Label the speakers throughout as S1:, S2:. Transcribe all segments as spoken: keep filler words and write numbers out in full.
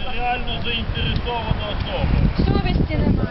S1: реально заінтересована особа.
S2: Совісті немає.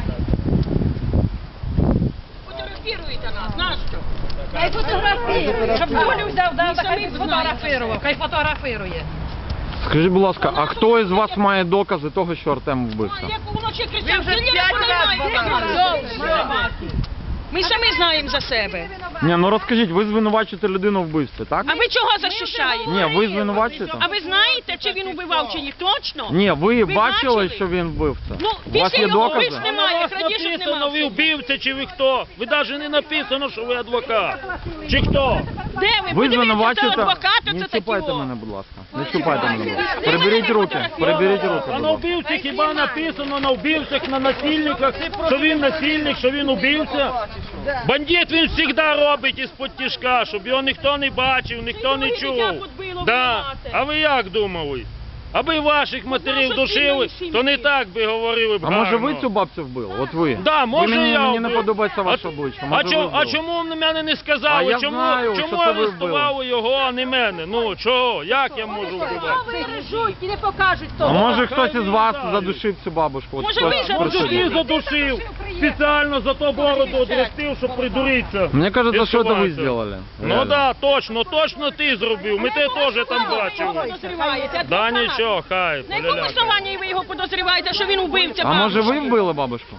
S3: Фотографіруйте нас, нащо?
S2: Хай фотографує. Щоб Колю взяв, да, хай фотографував, хай фотографує.
S4: Скажіть, будь ласка, а хто із вас має докази того, що Артем вбився?
S3: Як вночі кричав, ти не знаєш. Ми самі знаємо за себе.
S4: Ні, ну розкажіть, ви звинувачуєте людину вбивстві, так?
S3: А ви чого захищаєте?
S4: Ні, ви звинувачуєте?
S3: А ви знаєте, чи він убивав, чи ні? Точно?
S4: Ні, ви,
S3: Ви
S4: бачили,
S3: бачили?
S4: що він вбивця?
S3: Ну,
S4: У вас
S3: після
S4: є
S3: його
S4: докази?
S3: вбивств немає, крадіжок
S1: написано, ви
S3: немає.
S1: вбивця чи ви хто? Ви навіть не написано, що ви адвокат. Чи хто?
S3: Де ви?
S4: Ви
S3: Подивіться, це
S4: звинувачуєте?
S3: адвокати,
S4: Не
S3: це такі
S4: чіпайте
S3: о.
S4: мене, будь ласка. Не чіпайте мене, будь ласка. Приберіть руки, приберіть руки,
S1: А
S4: будь
S1: на
S4: ласка.
S1: вбивці хіба написано на вбивцях, на насильниках, що він насильник, що він убивця? Бандит він завжди робить із-под тяжка, щоб його ніхто не бачив, ніхто не чув. Да. А ви як думали? Аби ваших матерів душили, то не так би говорили б
S4: А може ви
S1: гарно.
S4: цю бабцю вбили? От ви?
S1: Да, може
S4: ви мені,
S1: я
S4: мені не
S1: вбив.
S4: подобається ваше
S1: А-
S4: обличчя.
S1: А,
S4: Може, ви
S1: чому, а
S4: вбили?
S1: чому на мене не
S4: А
S1: сказали?
S4: я
S1: чому
S4: знаю,
S1: чому
S4: що це ви
S1: арестували його, а не мене? Ну, чого? Як я можу вбивати?
S2: Бережуть і не покажуть
S4: А
S2: того.
S4: може хтось
S1: хай
S4: із
S1: не
S4: вас
S1: знаю.
S4: задушив цю бабушку? От
S3: Може,
S4: хтось
S3: ви
S4: присутній?
S3: задушили?
S1: Ти задушив, спеціально за то бороду одростив, щоб придуритися.
S4: Мне кажется, что это вы
S1: Відсуватися.
S4: сделали.
S1: Ну
S4: Реально.
S1: да, точно, точно ти зробив. Ми те теж там бачили.
S3: Підозріваєте,
S1: Да
S3: адвокат.
S1: нічого, хай,
S3: На якому
S1: поляляка.
S3: основанні ви його підозріваєте, що він убивця
S4: А може
S3: бабушки?
S4: вы вбили бабушку?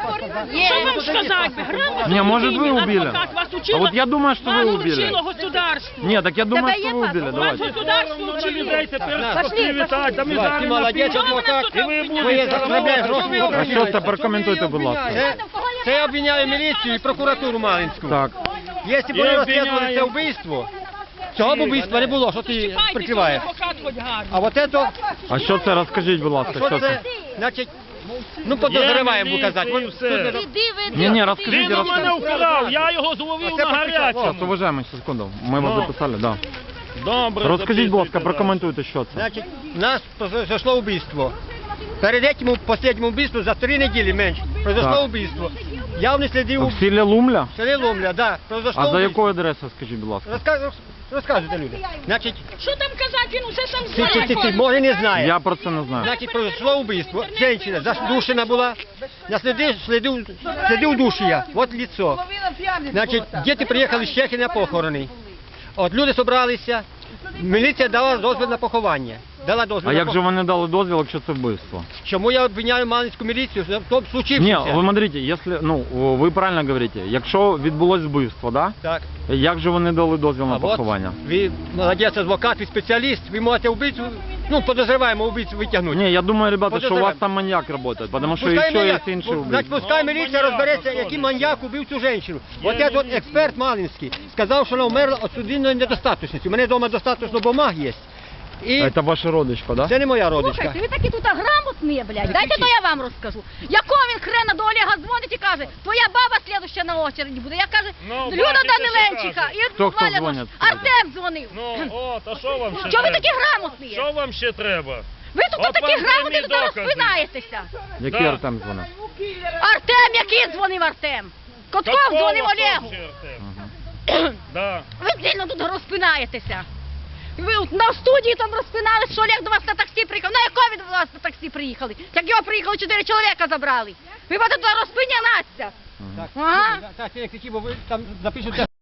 S3: Що вам сказати? би? Грамотно
S4: Не, может, вы
S3: людині,
S4: убили.
S3: адвокат вас
S4: А
S3: учило,
S4: вот я думаю, что вы
S3: вас
S4: убили.
S3: учило государство.
S4: Нет, так я думаю,
S2: Тебе
S4: что
S2: є
S4: вы убили.
S2: паспорт?
S3: Вас
S4: Давайте.
S3: государство
S1: На
S3: учило.
S1: людей тепер
S2: Пошли,
S1: привітати, та ми
S5: Давай,
S1: зараз
S5: ти молодець,
S1: напишемо.
S5: адвокат.
S1: І ви
S5: Ви
S1: будете
S5: заробляєте гроші.
S4: А що це? Прокоментуйте, будь ласка.
S5: Це, це я обвиняю міліцію і прокуратуру Малинську.
S4: Так.
S5: Якщо б
S1: Я
S5: вони розслідували
S1: обвиняю.
S5: це вбивство, цього б вбивства не було, що ти
S3: Чіпайтеся,
S5: прикриваєш.
S3: адвокат хоч гарний.
S5: А от це,
S4: А що це? Розкажіть, будь ласка,
S5: що
S4: що
S5: це,
S4: це?
S5: значить, ну подозріваємо
S1: міліція
S5: казати.
S1: і
S5: От
S1: все.
S5: тут не-
S4: Ні, ні,
S1: Він
S4: розкажіть,
S1: у мене
S4: розкажіть.
S1: украв, я його зловив
S5: Оце
S1: на
S5: почекай.
S4: Сейчас,
S1: гарячому.
S4: уважаемый, секунду. Мы вас
S1: Ну.
S4: записали, да.
S1: Добре,
S4: Розкажіть, будь ласка,
S1: записуйте
S4: прокоментуйте, що це.
S5: Значить, у нас произошло вбивство. Перед этим, последнім вбивством, за три неділі менше, произошло
S4: Так.
S5: вбивство. Я не слідив
S4: В селі Лумля?
S5: в селі Ломля, да, произошло
S4: А за
S5: вбивство.
S4: якою адресою, скажіть, будь ласка?
S5: Розказ- Розказуйте люди. Значить,
S3: Що там казати, він усе сам
S5: ти, ти, ти, ти,
S3: знає.
S5: може не знає.
S4: Я про це не знаю.
S5: Значить, произошло вбивство. Женщина задушена була. Я следив, следив, следив в душі я. От лицо. Значить, діти приїхали з Чехії на похорони. От люди зібралися. Міліція дала дозвіл на поховання. Дала дозвіл
S4: А
S5: на
S4: як же вони дали дозвіл, якщо це вбивство?
S5: Чому я обвиняю Малинську міліцію в тому
S4: Ні,
S5: случившемся?
S4: ви смотрите, якщо, ну, ви правильно говорите, якщо відбулось вбивство, да?
S5: Так.
S4: Як же вони дали дозвіл на
S5: А от
S4: поховання?
S5: ви молодець, адвокат, ви спеціаліст, ви можете вбивцю, ну, подозреваємо вбивцю витягнути.
S4: Не, я думаю, ребята, что у вас
S5: Подозреваем.
S4: там маньяк работает, потому что
S5: Пускай
S4: еще
S5: маньяк,
S4: есть інші
S5: значить,
S4: убийства.
S5: пускай
S1: Ну,
S5: міліція
S1: маньяк,
S5: розбереться,
S1: а
S5: який
S1: що
S5: маньяк убив цю жінку.
S1: Є
S5: От этот от
S1: міліція.
S5: експерт Малинський сказав, що вона вмерла від судинної недостаточності. У мене вдома достатньо бумаг є. І
S4: Это ваша родичка, да?
S5: це не моя родичка.
S2: Слухайте, ви такі тут грамотні, блядь. Дайте то я вам розкажу. Якого він хрена до Олега дзвонить і каже, твоя баба слідуща на очереді буде. Я кажу,
S1: Ну,
S2: Люда
S1: бачите,
S2: Даниленчиха.
S1: що
S2: І
S4: Хто, хто
S2: Валя,
S4: дзвонить?
S2: Артем дзвонив.
S1: Ну, от, а що вам ще
S2: Чого ви
S1: треба?
S2: такі грамотні?
S1: Що вам ще треба?
S2: Ви тут
S1: От
S2: такі
S1: вам
S2: грамотні,
S1: прямі
S2: тут
S1: докази.
S2: розпинаєтеся.
S4: Який
S1: Да.
S4: Артем дзвонив?
S2: Артем, який дзвонив Артем? Котков
S1: Какого
S2: дзвонив Олегу.
S1: вообще, Артем?
S4: Ага.
S1: Да.
S2: Ви сильно тут розпинаєтеся. Ви от на студії там розпинали, що Олег до вас на таксі приїхав. На якого від вас на таксі приїхали? Як його приїхали, чотири чоловіка забрали. Ви будете туди розпинятися.
S5: Так,
S2: Ага.
S5: так, так, я кричу, бо ви там запишете.